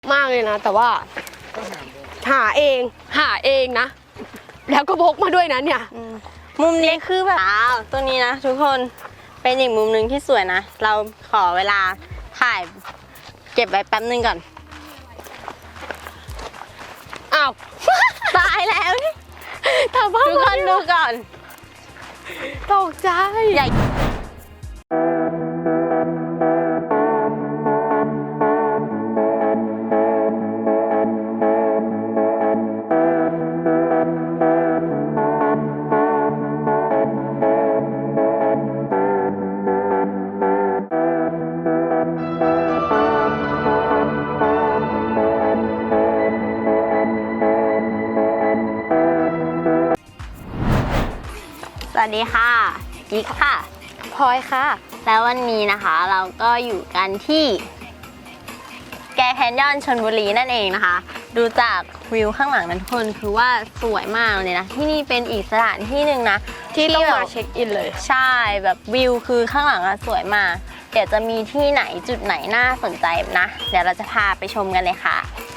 มากเลยนะแต่ว่าหาเองนะแล้วก็พกมาด้วยนะเนี่ยมุมนี้คือแบบตัวนี้นะทุกคนเป็นอีกมุมหนึ่งที่สวยนะเราขอเวลาถ่ายเก็บไว้แป๊บนึงก่อนอ้าวตายแล้วทุกคนดูก่อนตกใจใหญ่สวัสดีค่ะกิ๊กค่ะพลอยค่ะแล้ววันนี้นะคะเราก็อยู่กันที่แกแคนยอนชลบุรีนั่นเองนะคะดูจากวิวข้างหลังนั้นทุกคนคือว่าสวยมากเลยนะที่นี่เป็นอีกสถานที่หนึ่งนะที่ต้องมาเช็คอินเลยใช่แบบวิวคือข้างหลังสวยมากเดี๋ยวจะมีที่ไหนจุดไหนน่าสนใจนะเดี๋ยวเราจะพาไปชมกันเลยค่ะ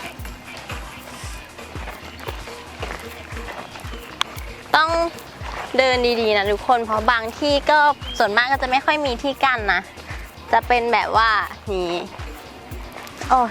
ต้องเดินดีๆนะทุกคนเพราะบางที่ก็ส่วนมากก็จะไม่ค่อยมีที่กั้นนะจะเป็นแบบว่านี่โอ้ย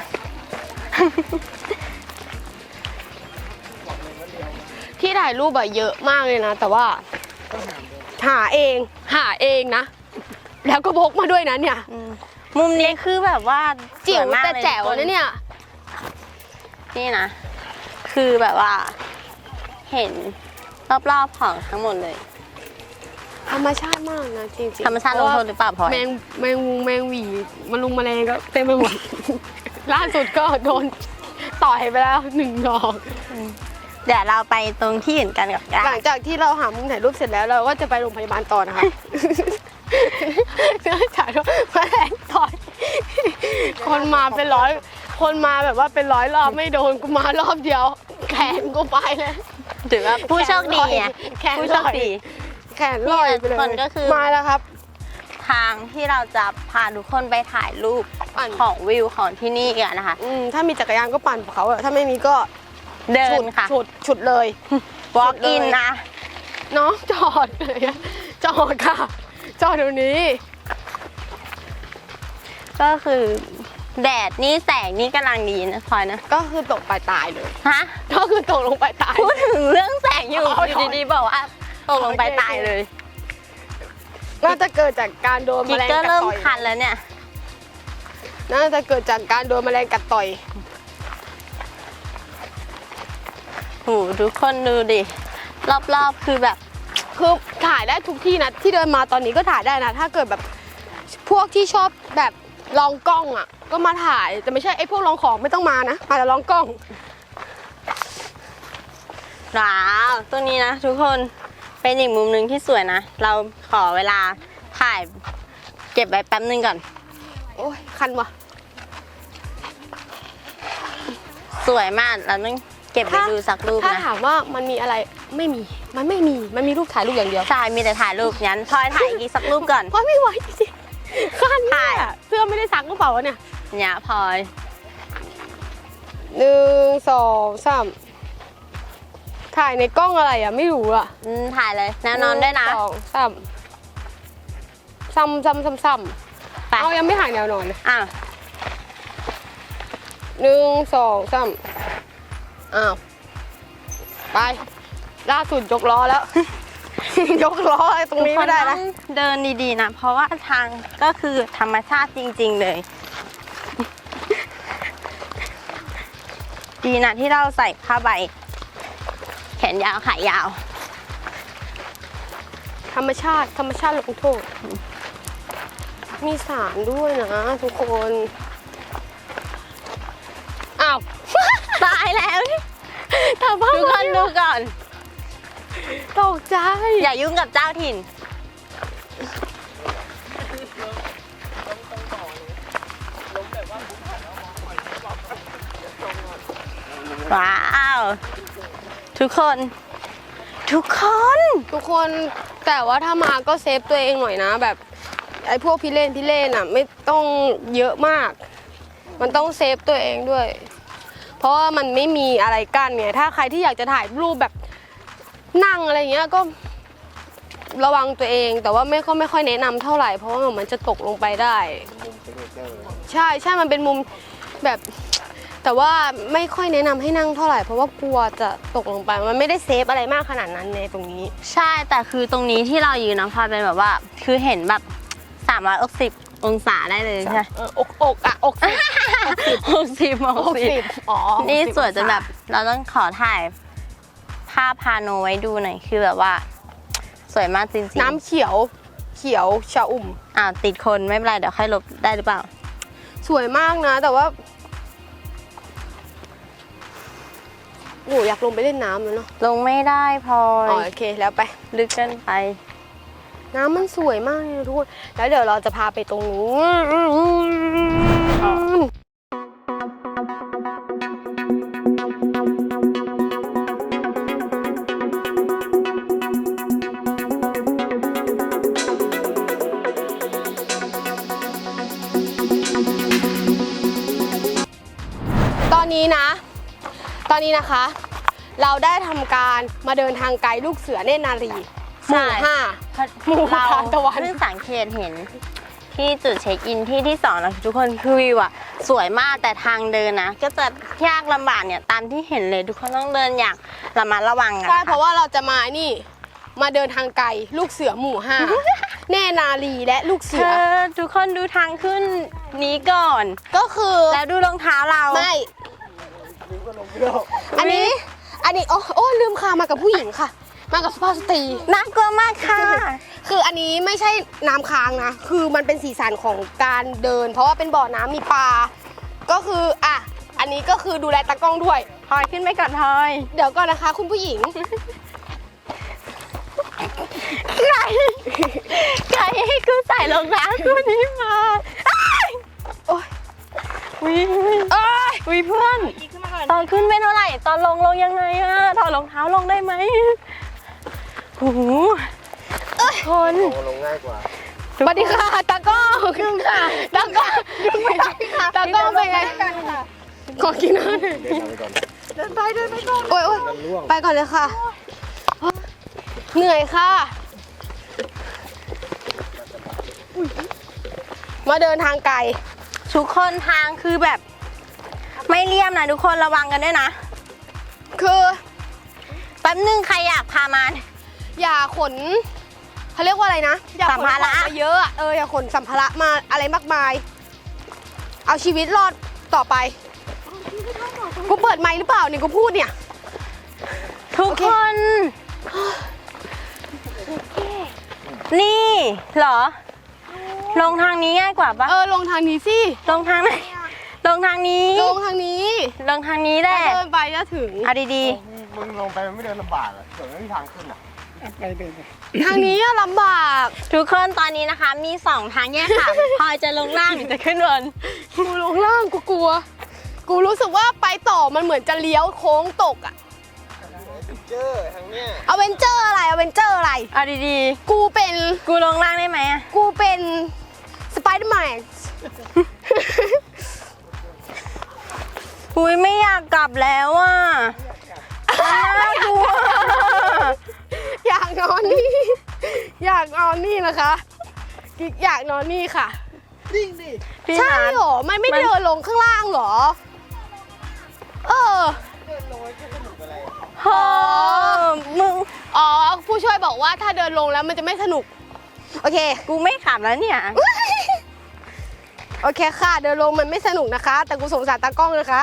ที่ถ่ายรูปแบบเยอะมากเลยนะแต่ว่าหาเองนะแล้วก็พกมาด้วยนะเนี่ยมุมนี้คือแบบว่าจิ๋วแต่แจ๋วนะเนี่ยนี่นะคือแบบว่าเห็นรอบๆของทั้งหมดเลยธรรมชาติมากนะจริงๆธรรมชาติลงโทษหรือเปล่าพลอยแมงหวีมาลุงแมลงก็เต็มไปหมด ล่าสุดก็โดนต่อยไปแล้ว1 ดอกเดี๋ยวเราไปตรงที่อื่นกันกับหลังจากที่เราหามุมถ่ายรูปเสร็จแล้วเราก็จะไปโรงพยาบาลต่อนะคะถ่ายรูปแมลงต่อยคนมาเป็นร้อยคนมาแบบว่าเป็น100 รอบไม่โดนกูมารอบเดียวแขนกูไปเลยถือว่าผู้โชคดีไงผู้โชคดีแขนลอยไปเลยก็คือมาแล้วครับทางที่เราจะพาทุกคนไปถ่ายรูปของวิวของที่นี่กันนะคะถ้ามีจักรยานก็ปั่นเขาถ้าไม่มีก็เดินค่ะฉุดเลย walk in นะน้องจอดเลยจอดค่ะจอดเดี๋ยวนี้ก็คือแดดนี่แสงนี่กำลังดีนะพลอยนะก็คือตกไปตายเลยฮะก็คือตกลงไปตายพูดถึงเรื่องแสงอยู่ดีๆบอกว่าตกลงไปตายเลยน่าจะเกิดจากการโดนแมลงกัดต่อยก็เริ่มคันแล้วเนี่ยน่าจะเกิดจากการโดนแมลงกัดต่อยโหทุกคนดูดิรอบๆคือแบบคือถ่ายได้ทุกที่นะที่เดินมาตอนนี้ก็ถ่ายได้นะถ้าเกิดแบบพวกที่ชอบแบบลองกล้องอ่ะก็มาถ่ายแต่ไม่ใช่ไอ้พวกลองของไม่ต้องมานะมาแต่ลองกล้องว้าวตัวนี้นะทุกคนเป็นอีกมุมหนึ่งที่สวยนะเราขอเวลาถ่ายเก็บไว้แป๊บนึงก่อนโอ้ยคันวะสวยมากเราต้องเก็บไปดูสักรูปนะถ้าถามว่ามันมีอะไรมันไม่มีรูปถ่ายรูปอย่างเดียวใช่มีแต่ถ่ายรูปงั้นพลอยถ่ายอีกสักรูปก่อนพลอยไม่ไหวจริงๆคันถ่ายเสื้อไม่ได้ซักหรือเปล่าวะเนี่ยพลอย 1 2 3ถ่ายในกล้องอะไรอ่ะไม่รู้อ่ะถ่ายเลยแนวนอนด้วยนะ 1 2 3ซ้ำเอายังไม่ถ่ายแนวนอนเลย1 2 3อ้าวไปล่าสุดยกล้อแล้ว ยกล้อตรงนี้ไม่ได้นะเดินดีๆนะเพราะว่าทางก็คือธรรมชาติจริงๆเลยดีนะที่เราใส่ผ้าใบแขนยาวขายาวธรรมชาติลงโทษมีสารด้วยนะทุกคนอ้าวตายแล้วทุกคนดูก่อนตกใจอย่ายุ่งกับเจ้าถิ่นว้าวทุกคนแต่ว่าถ้ามาก็เซฟตัวเองหน่อยนะแบบไอ้พวกพี่เล่นอ่ะไม่ต้องเยอะมากมันต้องเซฟตัวเองด้วยเพราะว่ามันไม่มีอะไรกั้นไงถ้าใครที่อยากจะถ่ายรูปแบบนั่งอะไรเงี้ยก็ระวังตัวเองแต่ว่าไม่ค่อยแนะนำเท่าไหร่เพราะว่ามันจะตกลงไปได้ใช่มันเป็นมุมแบบแต่ว่าไม่ค่อยแนะนำให้นั่งเท่าไหร่เพราะว่ากลัวจะตกลงไปมันไม่ได้เซฟอะไรมากขนาดนั้นในตรงนี้ใช่แต่คือตรงนี้ที่เรายืนนะพลอยเป็นแบบว่าคือเห็นแบบ360องศาได้เลยใช่ไหมอกอ่ะอกสิบ 60 อ๋อนี่สวยจนแบบเราต้องขอถ่ายภาพพาโนไว้ดูหน่อยคือแบบว่า สวยมากจริงๆน้ำเขียวชะอุ่มติดคนไม่เป็นไรเดี๋ยวค่อยลบได้หรือเปล่าสวยมากนะแต่ว่าโอ้อยากลงไปเล่นน้ำแล้วเนาะลงไม่ได้พลออ๋อย โอเคแล้วไปลึกเกินไปน้ำมันสวยมากเลยทุกคนแล้วเดี๋ยวเราจะพาไปตรงนู้นตอนนี้นะคะ เราได้ทำการมาเดินทางไกลลูกเสือเนตรนารีหมู่ใช่ 5 หมู่เราทานตะวันเพิ่งสังเกตเห็นที่จุดเช็คอินที่2นะทุกคนคือวิวอะสวยมากแต่ทางเดินนะก็จะยากลำบากเนี่ยตามที่เห็นเลยทุกคนต้องเดินอย่างระมัดระวังอะใช่เพราะว่าเราจะมามาเดินทางไกลลูกเสือหมู่ 5 เนตรนารีและลูกเสืเธออทุกคนดูทางขึ้นนี้ก่อนก็คือแล้วดูรองเท้าเราไม่อันนี้โอ้ลืมค่ะมากับผู้หญิงค่ะ มากับสุภาพสตรีน่ากลัวมากค่ะคืออันนี้ไม่ใช่น้ำค้างนะ คือมันเป็นสีสันของการเดิน เพราะว่าเป็นบ่อน้ำมีปลา ก็คืออันนี้ก็คือดูแลตากล้องด้วยพลอยขึ้นไปก่อนพลอยเดี๋ยวก่อนนะคะ คุณผู้หญิงใครให้กูใส่รองเท้าคู่นี้มาอ้ายโอ้ยวิเอ้ยวิเพื่อนตอนขึ้นไม่เท่าไหร่ตอนลงยังไงอะถอดรองเท้าลงได้ไหมโอ้โหคนลงง่ายกว่าสวัสดีค่ะตากล้องขึ้นค่ะตากล้องตากล้องเป็นไงขอกินน้ำหน่อยเดินทางไปก่อนเดินไปก่อนโอ้ยไปก่อนเลยค่ะ เหนื่อยค่ะ มาเดินทางไกลทุกคนทางคือแบบ ไม่เลี่ยมนะทุกคนระวังกันด้วยนะคือแป๊บนึงใครอยากพามาอย่าขนเขาเรียกว่าอะไรนะอย่าขนสัมภาระของมาเยอะอะอย่าขนสัมภาระมาอะไรมากมาย เอาชีวิตรอดต่อไปกูเปิดไมค์หรือเปล่าเนี่ยกูพูดเนี่ยทุกโอเคคน นี่เหรอ ลงทางนี้ง่ายกว่าปะลงทางนี้สิลงทางไหนลงทางนี้ลงทางนี้ลงทางนี้แหละถ้าเดินไปจะถึงเอาดีมึงลงไปมันไม่เดินลำบากอ่ะส่วนไม่มีทางขึ้นอ่ะทางนี้อะลำบากๆ ทุกคนตอนนี้นะคะมี2ทางแยกค่ะ พลอยจะลงล่างหรือจะขึ้นบนกูลงล่างกูกลัว กูรู้สึกว่าไปต่อมันเหมือนจะเลี้ยวโค้งตกอะเจอทางเนี้ยอเวนเจอร์อะไรอเวนเจอร์อะไรเอาดีกูเป็นๆ กูลงล่างได้ไหมอะกูเป็นสไปเดอร์แมนอุ้ยไม่อยากกลับแล้วอ่ะน่ากลัวอยากนอนนี่ อยากนอนนี่นะคะกิ๊กอยากนอนนี่ค่ะนิ่งดิพี่ใช่นัทเหรอ มันไม่มันเดินลงข้างล่างเหรอเดินลงไอ้แค่สนุกอะไรอ่ะโหมึงอ๋อ ผู้ช่วยบอกว่าถ้าเดินลงแล้วมันจะไม่สนุก โอเคกูไม่ขับแล้วเนี่ยโอเคค่ะ เดินลงมันไม่สนุกนะคะ แต่กูสงสารตากล้องนะคะ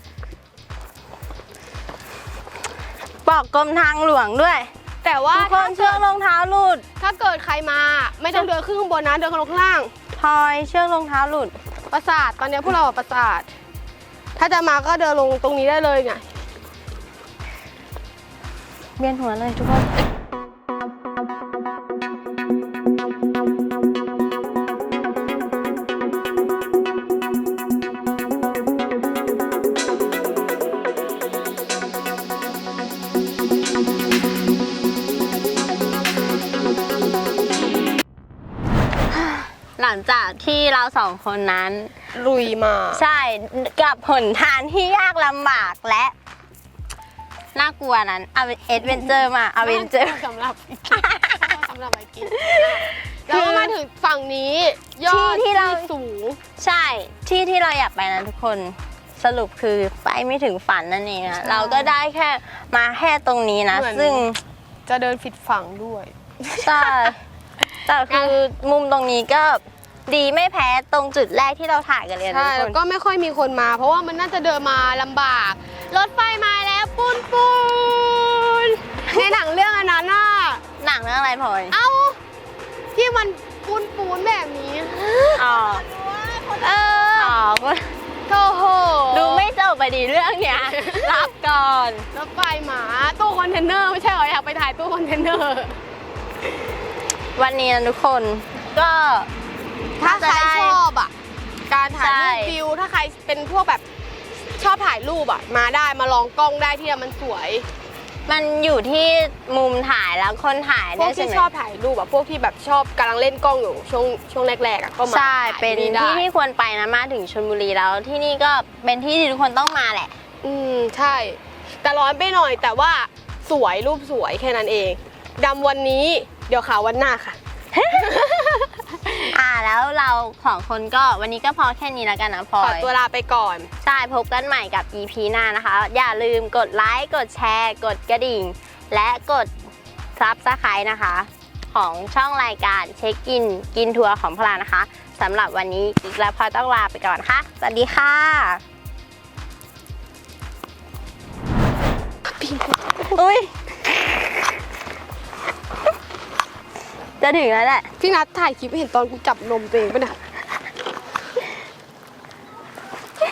บอกกรมทางหลวงด้วยแต่ว่าทุกคนเชือกรองเท้าหลุดถ้าเกิดใครมาไม่ต้องเดินขึ้นข้างบนนะ เดินลงข้างล่างพลอยเชือกรองเท้าหลุดปราสาทตอนนี้พวกเราอะปราสาท ถ้าจะมาก็เดินลงตรงนี้ได้เลยไงเบียนหัวเลยทุกคน หลังจากที่เราสองคนนั้นลุยมาใช่กับหนทางที่ยากลำบากและน่ากลัวนั้นเอดเวนเจอร์มาเอเวนเจอร์สำหรับสำหรับไอกินแล้วก็มาถึงฝั่งนี้ยอดที่เราสูงใช่ที่เราอยากไปนะทุกคนสรุปคือไปไม่ถึงฝันนั่นเองนะเราก็ได้แค่มาแค่ตรงนี้นะเหมือนซึ่งจะเดินผิดฝั่งด้วยใช่แต่คือมุมตรงนี้ก็ดีไม่แพ้ตรงจุดแรกที่เราถ่ายกันเลยนะใช่ทุกแล้วคก็นไม่ค่อยมีคนมา เพราะว่ามันน่าจะเดินมาลำบาก รถไฟมาแล้วปูนปูนในหนังเรื่องอันนั้นน่ะหนังเรื่องอะไรพลอยเอ้าที่มันปูนปูนแบบนี้อ๋อเอออ๋อโอ้โหดูไม่จบไปดีเรื่องเนี้ยรับก่อนรถไฟหมาตู้คอนเทนเนอร์ไม่ใช่เหรออยากไปถ่ายตู้คอนเทนเนอร์วันนี้นะทุกคนก็ถ้าใครจะได้ชอบอ่ะ การถ่ายใช่รูปวิว ถ้าใครเป็นพวกแบบชอบถ่ายรูปอ่ะ มาได้มาลองกล้องได้ที่มันสวยมันอยู่ที่มุมถ่ายแล้วคนถ่ายพวด้กวยใช่ที่ไหมชอบถ่ายรูปอะพวกที่แบบชอบกำลังเล่นกล้องอยู่ช่วงแรกๆอะก็มาใช่ถ่ายเป็นได้ที่ที่ควรไปนะมาถึงชลบุรีแล้วที่นี่ก็เป็นที่ที่ทุกคนต้องมาแหละใช่ แต่ร้อนไปหน่อยแต่ว่าสวยรูปสวยแค่นั้นเองดำวันนี้เดี๋ยวขาววันหน้าค่ะแล้วเราของคนก็วันนี้ก็พอแค่นี้แล้วกันนะพลอขอย ตัวลาไปก่อนใช่พบกันใหม่กับ EP หน้านะคะ อย่าลืมกดไลค์กดแชร์ กดกระดิ่ง และกดSubscribeนะคะ ของช่องรายการเช็คอินกินทัวร์ของพลานะคะสำหรับวันนี้กิ๊กและพลอยต้องลาไปก่อนค่ะ สวัสดีค่ะอุ้ยจะถึงแล้วแหละพี่นัทถ่ายคลิปเห็นตอนกูจับนมตัวเองป่ะเนี่ย